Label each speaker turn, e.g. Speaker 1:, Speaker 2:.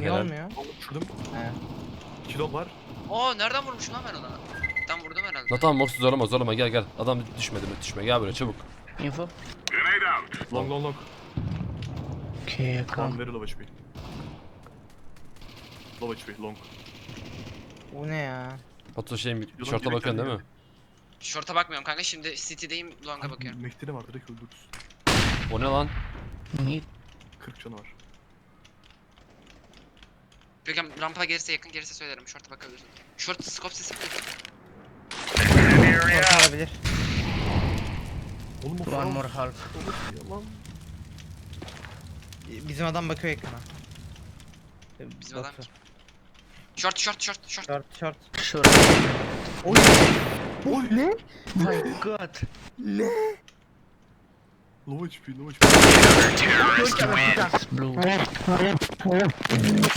Speaker 1: Niye
Speaker 2: Helal.
Speaker 1: olmuyor?
Speaker 3: Şurdum.
Speaker 1: He.
Speaker 3: 2 dom var.
Speaker 4: Oo nereden vurmuşum lan ben ona? Ben vurdum herhalde.
Speaker 2: La tamam Morsi zorlama gel. Adam düşme gel buraya çabuk.
Speaker 5: Info.
Speaker 3: Long.
Speaker 5: Okay,
Speaker 3: Tamam
Speaker 5: come.
Speaker 3: very low HP. Low HP long.
Speaker 1: Bu ne ya?
Speaker 2: Batu şey
Speaker 3: Yalan
Speaker 2: şorta
Speaker 3: direkt
Speaker 2: bakıyorsun değil mi?
Speaker 4: Short'a bakmıyorum kanka, şimdi City'deyim, Long'a bakıyorum.
Speaker 3: Mehdi de var direkt öldürürüz.
Speaker 2: O ne lan?
Speaker 5: Mid.
Speaker 3: 40 canı var.
Speaker 4: Görkem rampa gelirse, yakın gelirse söylerim, Short'a bakabilirsin. Short scope sesi mi?
Speaker 1: Orta olabilir.
Speaker 3: Oğlum o
Speaker 5: One
Speaker 3: falan
Speaker 5: more half.
Speaker 3: Yalan.
Speaker 1: Bizim adam bakıyor ekrana.
Speaker 4: Bizim adam
Speaker 1: Batu.
Speaker 4: kim? Short.
Speaker 1: Short.
Speaker 5: Sure.
Speaker 1: Oy.
Speaker 3: Oy.
Speaker 1: Ne?
Speaker 5: My god.
Speaker 3: Low HP.
Speaker 5: Blue.